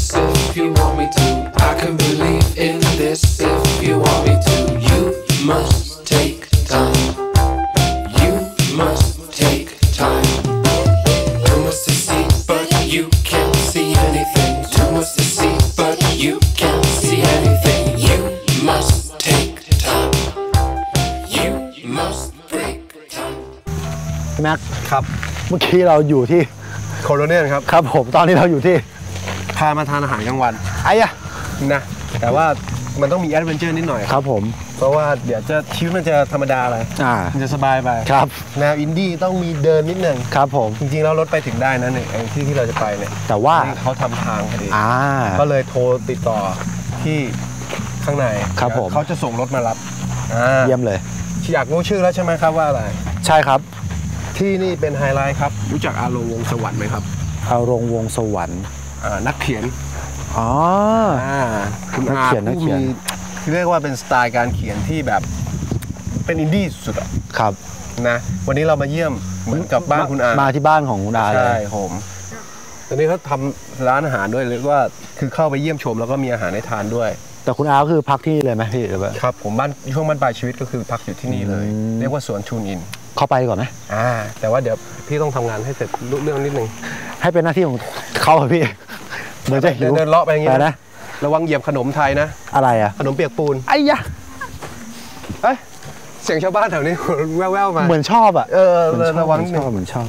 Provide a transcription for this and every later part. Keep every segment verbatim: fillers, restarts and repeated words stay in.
if you want me to. I can believe in this if you want me to. You must take time. You must take time. Too much to see, but you can't see anything. Too much to see, but you can't see anything. You must take time. You must break time. พี่แม็กครับเมื่อกี้เราอยู่ที่โคโลเนียนครับครับผมตอนนี้เราอยู่ที่พามาทานอาหารกลางวันไอ้อะนะแต่ว่ามันต้องมีแอดเวนเจอร์นิดหน่อยครับผมเพราะว่าเดี๋ยวจะชีวิตมันจะธรรมดาไปอ่ามันจะสบายไปครับแนวอินดี้ต้องมีเดินนิดนึงครับผมจริงๆแล้วรถไปถึงได้นะเนี่ยไอ้ที่ที่เราจะไปเนี่ยแต่ว่าเขาทำทางพอดีอ่าก็เลยโทรติดต่อที่ข้างในครับผมเขาจะส่งรถมารับอ่าเยี่ยมเลยอยากรู้ชื่อแล้วใช่ไหมครับว่าอะไรใช่ครับที่นี่เป็นไฮไลท์ครับรู้จักอาโรงวงสวรรค์ไหมครับเอารงวงสวรรค์อ่านักเขียนอ๋ออ่าคุณนักอาเขียนนักผู้เขียนมีเรียกว่าเป็นสไตล์การเขียนที่แบบเป็นอินดี้สุดอะครับนะวันนี้เรามาเยี่ยมเหมือนกับบ้านคุณอามาที่บ้านของคุณอาเลใช่ยผมตอนนี้เขาทำร้านอาหารด้วยเรียกว่าคือเข้าไปเยี่ยมชมแล้วก็มีอาหารให้ทานด้วยแต่คุณอาก็คือพักที่เลยไหมพี่หรือว่าครับผมบ้านช่วงบ้านปลายชีวิตก็คือพักอยู่ที่นี่เลยอืมเรียกว่าสวนชูนอินเข้าไปก่อนไหมอ่าแต่ว่าเดี๋ยวพี่ต้องทำงานให้เสร็จรู้เรื่องนิดนึงให้เป็นหน้าที่ของเขาอะพี่เดี๋ยวจะหิเดิวนเดินเลาะไปอย่างงี้ไปนะนะระวังเหยียบขนมไทยนะอะไรอะขนมเปียกปูนไอ้ยะเอ้ยเสียงชาวบ้านแถวนี้ แว่วๆมาเหมือนชอบอะเออเหมือนชอบระวังเหนิมืดอนชนึอง บเหมือนชอบ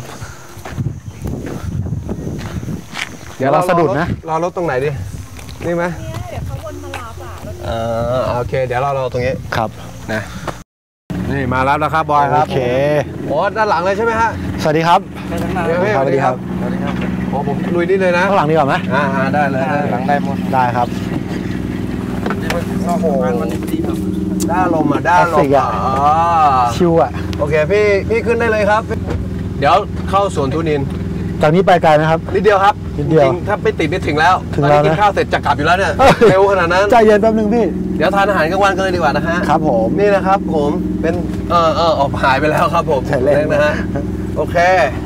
เดี๋ยวเราสะดุดนะรอรถตรงไหนดินี่ไหมเดี๋ยวเขาวนมารับอ่ะรถเออโอเค เดี๋ยวเรารอตรงนี้ครับนะนี่มารับแล้วครับบอยครับโอเคโอ้ด้านหลังเลยใช่ไหมฮะสวัสดีครับเดี๋ยวพี่สวัสดีครับสวัสดีครับโอ้ผมลุยนี่เลยนะข้างหลังดีกว่าไหมอ่าอ่าได้เลยได้หลังได้หมดได้ครับโอ้โหด้านลมอ่ะด้านลคลาสสิมกอ่ะอะอ๋อชิวอะโอเคพี่พี่ขึ้นได้เลยครับ เดี๋ยวเข้าสวนทุนินจากนี้ไปไกลไหมครับนิดเดียวครับนิดเดียวจริงๆถ้าไปติดนี่ถึงแล้วถึงตอนแล้วนี้นะกินข้าวเสร็จจะกลับอยู่แล้วเนี่ยเร็วขนาดนั้นใจเย็นแป๊บนึงพี่เดี๋ยวทานอาหารกลางวันกันเลยดีกว่านะฮะครับผมนี่นะครับผมเป็นเออเออออกหายไปแล้วครับผมใช่เล่นนะฮะโอเค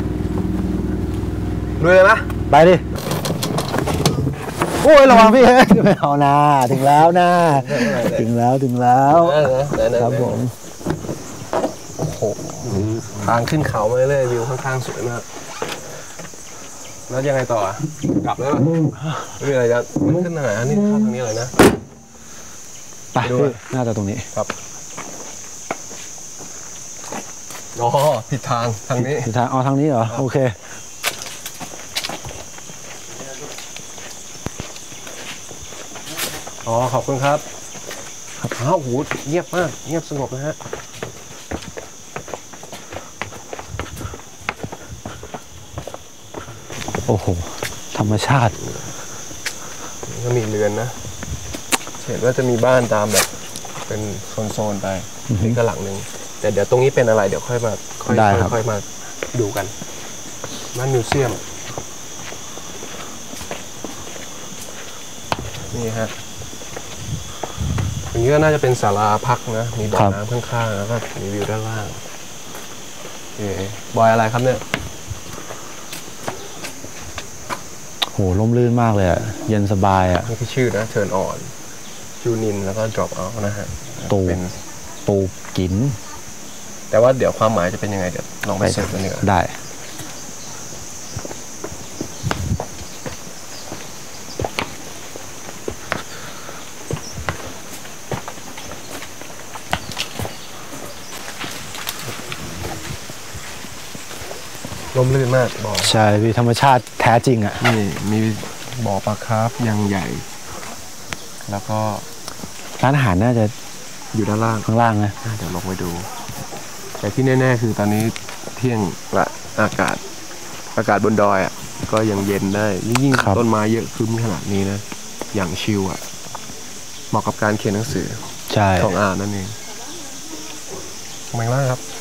ลุยเลยไหมไปดิ โอ้ยระวังพี่ ไม่เอานะถึงแล้วนะถึงแล้วถึงแล้วเออเออเออครับผมโอ้โหทางขึ้นเขามาเรื่อยๆวิวข้างๆสวยมากแล้วยังไงต่ออ่ะกลับแล้วไม่มีอะไรจะมันขึ้นทางไหนอันนี้เข้าทางนี้เลยนะไปดูพี่น่าจะตรงนี้ครับอ๋อผิดทางทางนี้ผิดทางเอาทางนี้เหรอโอเคอ๋อขอบคุณครับอ้าวโหเงียบมากเงียบสงบนะฮะโอ้โหธรรมชาติก็มีเรือนนะเห็นว่าจะมีบ้านตามแบบเป็นโซนๆไปนี่ก็หลังหนึ่งแต่เดี๋ยวตรงนี้เป็นอะไรเดี๋ยวค่อยมาค่อยได้ครับค่อยมาดูกันบ้านมิวเซียมนี่ฮะตรงนี้ก็น่าจะเป็นศาลาพักนะมีบ่อน้ำข้างๆแล้วก็มีวิวด้านล่างเอ๋บอยอะไรครับเนี่ยโหร่มรื่นมากเลยอะเย็นสบายอะนี่คือชื่อนะเทิร์นออนจูนินแล้วก็ drop out นะฮะตูเป็นตูกินแต่ว่าเดี๋ยวความหมายจะเป็นยังไงเดี๋ยวลองไปเสิร์ชกันดีกว่าได้ร่มรื่นมากบ่อใช่พี่ธรรมชาติแท้จริงอะนี่มีบ่อปลาคาร์ฟยังใหญ่ แล้วก็ร้านอาหารน่าจะอยู่ด้านล่างข้างล่างนะเดี๋ยวลองไปดู แต่ที่แน่ๆคือตอนนี้เที่ยงละอากาศ อากาศบนดอยอ่ะก็ยังเย็นได้ยิ่งต้นไม้เยอะขึ้นขนาดนี้นะอย่างชิลอ่ะเหมาะกับการเขียนหนังสือใช่ของอ่านนั่นเองทำไมล่ะครับ